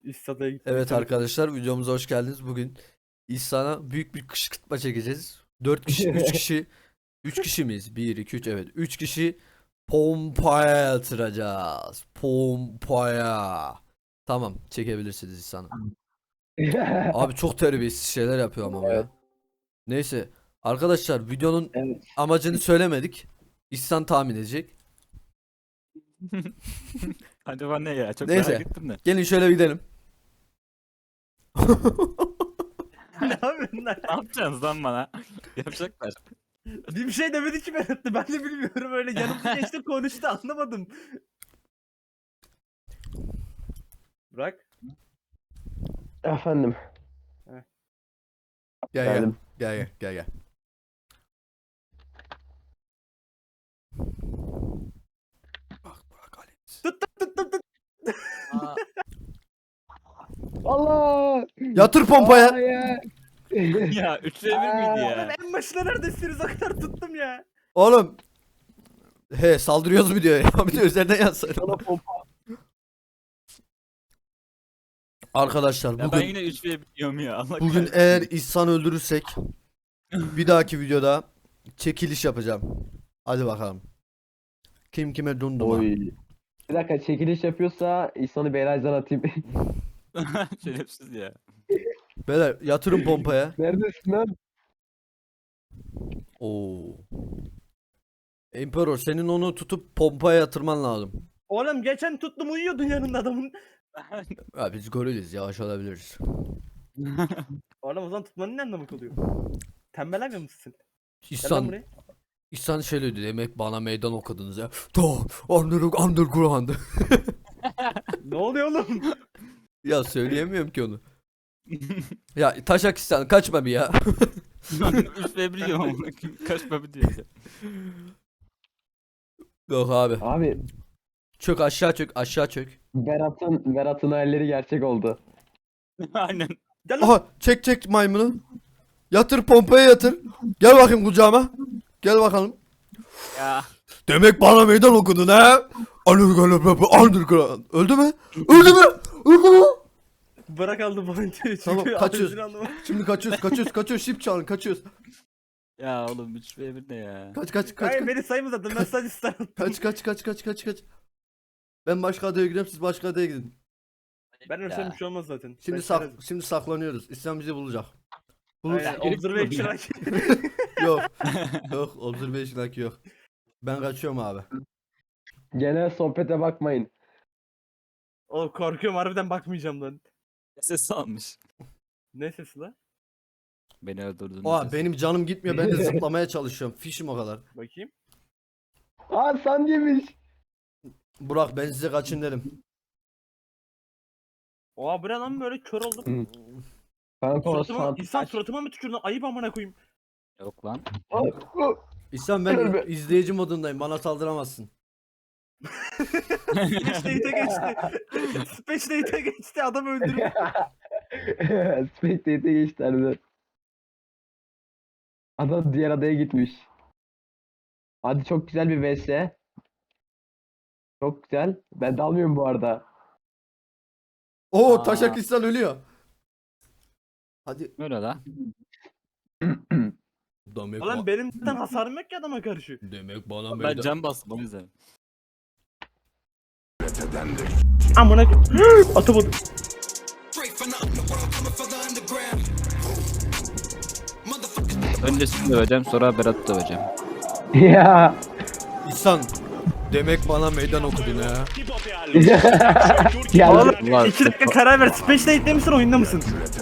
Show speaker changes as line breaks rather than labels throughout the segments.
İstada'ya gittim.
Evet arkadaşlar, videomuza hoş geldiniz. Bugün İhsan'a büyük bir kışkırtma çekeceğiz. 4 kişi, 3 kişi, 3 kişi miyiz? 1, 2, 3, evet. 3 kişi pompaya yatıracağız. Pompaya. Tamam, çekebilirsiniz İhsan'ı. Abi çok terbiyesiz şeyler yapıyor ama bu ya. Neyse arkadaşlar, videonun
Evet.
amacını söylemedik. İhsan tahmin edecek.
Acaba ne ya? Çok
Neyse.
merak ettim de.
Gelin şöyle bir gidelim.
Ne yapıyorsun lan?
Ne yapacaksınız lan bana? Yapacaklar.
Bir şey demedi ki Berat'ta. Ben de bilmiyorum, öyle yanımda geçti konuştu, anlamadım. Bırak.
Efendim.
Gel
Geldim.
gel. Bak Ali.
Tut.
Aa,
Allah!
Yatır pompaya.
Hayır.
ya 3'e 1 miydi
Oğlum
ya?
en başına neredesiniz, o kadar tuttum ya.
Oğlum. He, saldırıyoruz mu diyor ya. Bir de üzerinden yazsana.
Sana pompa.
Arkadaşlar
Ya ben
bugün
yine 3'e 1 diyorum ya. Allah
bugün
kahretsin.
eğer İhsan öldürürsek bir dahaki videoda çekiliş yapacağım. Hadi bakalım. Kim kime dunduma.
Oy. Bir dakika, çekiliş yapıyorsa İhsan'ı Beylaz'dan atayım.
Şerefsiz ya.
Beyler yatırın pompaya.
Neredesin lan?
Oo. Emperor, senin onu tutup pompaya yatırman lazım.
Oğlum geçen tuttum, uyuyordun yanında adamın.
Ya biz goriliz, yavaş olabiliriz.
Oğlum o zaman tutmanın ne anlamı oluyor? Tembelemiyor musun? Gel lan
İhsan,
buraya.
İhsan şöyle dedi, demek bana meydan okudunuz ya. Underground.
Ne oluyor oğlum?
Ya söyleyemiyorum ki onu. Ya taşak İhsan, kaçma bir ya.
3'e 1 diyorum ama kaçma bir diyor.
Yok abi.
Abi
Çök aşağı, çök aşağı, çök.
Berat'ın hayalleri gerçek oldu.
Aynen.
Gel lan.
Aha, çek maymunu. Yatır pompaya yatır. Gel bakayım kucağıma. Gel bakalım.
Ya.
Demek bana meydan okudun ha? Underground. Öldü mü? Öldü mü? Öldü mü?
Bırak aldı boyunca. Çünkü
Tamam, kaçıyoruz.
ağzını anlamadım.
Şimdi kaçıyoruz. Şip çalın, kaçıyoruz.
Ya oğlum 3'e 1 ne ya?
Kaç.
Hayır, beni sayma zaten, ben sadece star attım.
Kaç. Ben başka adaya gidiyorum, siz başka adaya gidin.
Ben ölsem
Ya.
bir şey olmaz zaten.
Şimdi
Ben çerezim.
şimdi saklanıyoruz. İslam bizi bulacak. Bulur.
Aynen, observation
Yok. Yok, observation yok. Ben kaçıyorum abi.
Genel sohbete bakmayın.
Oğlum korkuyorum, harbiden bakmayacağım lan.
Ses almış.
Ne sesi lan?
Beni öldürdün.
Oha, benim canım gitmiyor. Ben de zıplamaya çalışıyorum. Fişim o kadar.
Bakayım.
Aa, sen yemiş.
Burak, ben size kaçın dedim.
Oha, bu ne lan, böyle kör oldum.
Hı. Kanka o
Suratıma, insan suratıma mı tükürdün? Ayıp amına koyayım.
Yok lan.
İhsan, ben
Tövbe.
izleyici modundayım. Bana saldıramazsın.
Space Date'e geçti. Space Date'e geçti, adam öldürüp.
Spectate'e geçti harbiden. Adam diğer adaya gitmiş. Hadi, çok güzel bir vs. Çok güzel. Ben dalmıyorum bu arada.
Oo,
Aa.
Taşak İhsan ölüyor. Hadi.
Böyle la.
Demek,
Ulan benim zaten hasarım yok ki adama karşı.
demek bana
Ben
meydan.
can bastım o yüzden.
Amına atamadım.
Önce sizi döveceğim, sonra Berat'ı döveceğim.
Ya.
İhsan, demek bana meydan okudun ha.
Geldi.
Oğlum
Ulan,
2 dakika karar ver. Space Date'de misin, oyunda mısın?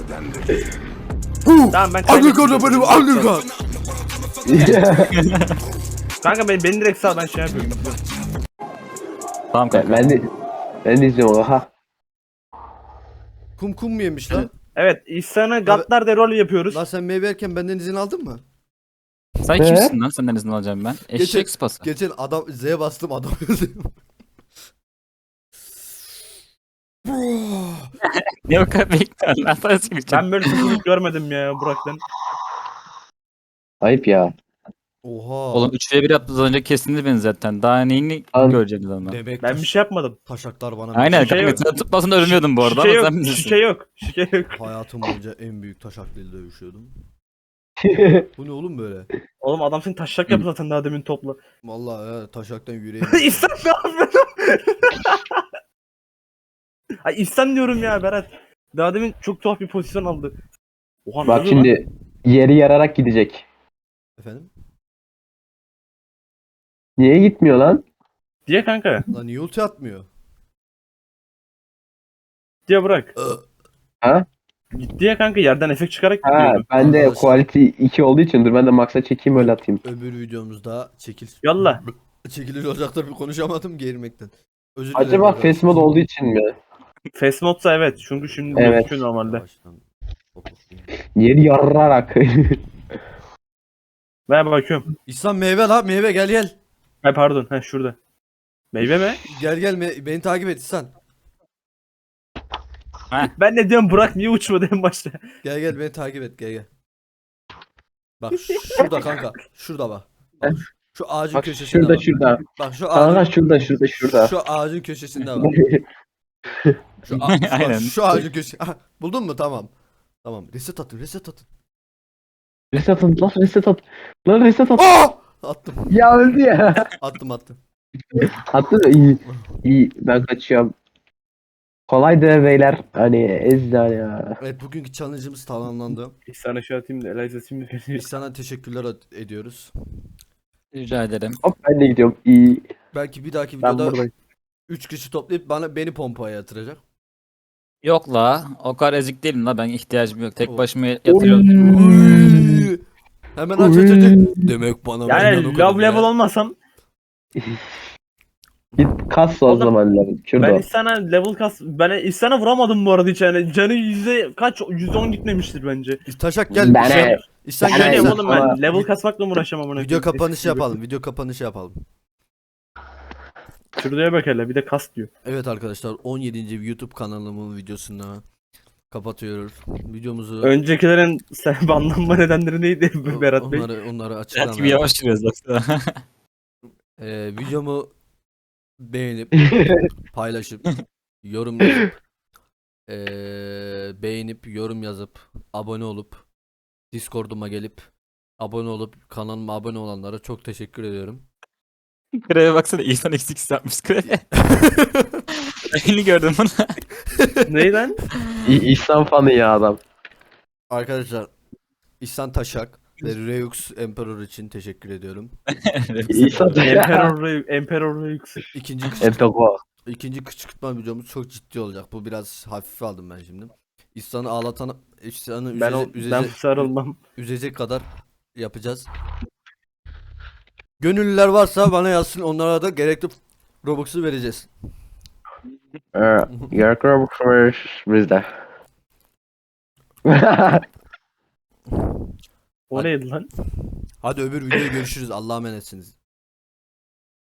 Tamam, ben
Underground benim, underground.
Kanka beni direkt sal, ben şey yapıyorum.
Tamam kanka.
ben de izliyorum. Aha.
Kum mu yemiş lan?
Evet, İhsan'ı Gaddar de rol yapıyoruz.
Lan sen meyve yerken benden izin aldın mı?
Sen kimsin lan? Senden izin alacağım ben. Eşek sıpası.
Geçen adam Z'ye bastım, adam öldü.
Ne o kadar bekliyorsun lan? Sana çıkacağım.
Ben böyle sesini görmedim ya Burak'tan.
Ayıp ya.
Oha.
Oğlum 3v1 yaptınız önce kestiniz beni zaten. Daha neyini
An-
göreceğiz ondan.
Demek
Ben bir şey yapmadım.
taşaklar bana
Aynen
Bir şey
kanka
yok.
sen tutmasın da ölmüyordum bu arada
Şike
ama
yok.
sen bilirsin.
Şike yok. Şike yok.
hayatım boyunca en büyük taşaklıyla dövüşüyordum. Bu ne oğlum böyle?
Oğlum adam seni taşak yaptı zaten daha demin topla.
Vallahi ya, taşaktan yüreğim.
İhsan ne yapıyorsun? Ay İhsan diyorum ya Berat. Daha demin çok tuhaf bir pozisyon aldı. Oha, ne
Bak
oluyor lan?
şimdi yeri yararak gidecek.
Efendim?
Niye gitmiyor lan?
Diye kanka.
Lan niye ulti atmıyor?
Diye bırak.
Ha?
Diye kanka yerden efekt çıkarak
Ha,
gidiyordu.
ben de
Arkadaşlar.
quality 2 olduğu için dur ben de max'a çekeyim öyle atayım.
Öbür videomuzda
Yallah.
çekiliş olacaktır bir konuşamadım geğirmekten. Özür dilerim
Acaba
arkadaşlar.
face mod olduğu için mi?
Fast modsa evet. Çünkü şimdi
Evet.
gözüküyor normalde.
Baştan.
Yeri yararak.
Ben bakıyorum.
İhsan meyve la meyve gel gel.
Ay pardon. Ha şurada. Meyve mi?
Gel gel beni takip et İhsan.
Ben ne diyorum Burak niye uçmadı en başta?
Gel gel beni takip et gel gel. Bak şurada kanka. Şurada bak. Bak, şu ağacın
Bak
köşesinde
şurada
bak.
şurada.
Bak şu
Kanka
ağacın,
şurada.
şu ağacın köşesinde bak.
Aynen.
Şu ağacın köşesi. Ah, buldun mu? Tamam. Tamam. Reset atın, reset atın.
Reset at lan reset at. Lan reset at.
Oh! Attım.
Ya öldü ya.
Attım.
Attı da iyi. İyi ben kaçıyorum. Kolaydı beyler. Hani ezdan ya.
Evet bugünkü challenge'ımız tamamlandı.
İhsan'a şu atayım da Eliza şimdi
Biz sana teşekkürler ediyoruz.
Rica ederim.
Hop ben de gidiyorum. İyi.
Belki bir dahaki
Ben
videoda
buradayım.
3 kişi toplayıp beni pompaya yatıracak.
Yok la o kadar ezik değilim la ben ihtiyacım yok. Tek
Oh.
başıma yatıyorum.
Uy! Hemen aç. Demek bana benden o
Yani
kadar
love level
ya.
olmasam
Git kas o
Oğlum,
zaman lan. Şurada.
ben İhsan'a level kas ben İhsan'a vuramadım bu arada hiç yani canı yüzde kaç 110 gitmemiştir bence.
Taşak gel.
Ben
İhsan, İhsan
Ben-
gel.
Yani
İhsan-
oğlum ben level kasmakla mı uğraşamam ona.
Video kapanışı yapalım. Video kapanışı yapalım.
Şuraya bak hele bir de kas diyor.
Evet arkadaşlar 17. YouTube kanalımın videosunu kapatıyoruz. Videomuzu
Öncekilerin sen banlanma nedenleri neydi Berat Bey?
onları
Hayat gibi
açıklamaya.
yavaş yürüyoruz baksana.
Videomu beğenip paylaşıp yorum yazıp beğenip yorum yazıp abone olup Discord'uma gelip abone olup kanalıma abone olanlara çok teşekkür ediyorum.
Kreve baksana insan eksik yapmış kreve. Elini gördüm bunu.
Ney lan?
İhsan fanı ya adam.
Arkadaşlar İhsan Taşak ve Reux Emperor için teşekkür ediyorum.
İhsan
Emperor yüksek.
İkinci kışkırtma videomuz çok ciddi olacak. Bu biraz hafife aldım ben şimdi. İhsan'ı ağlatan, İhsan'ı
Ben sarılmam.
üzecek kadar yapacağız. Gönüllüler varsa bana yazsın. Onlara da gerekli Robux'u vereceğiz.
Yarkı bizde.
O neydi lan?
Hadi öbür videoda görüşürüz. Allah'a emanetsiniz.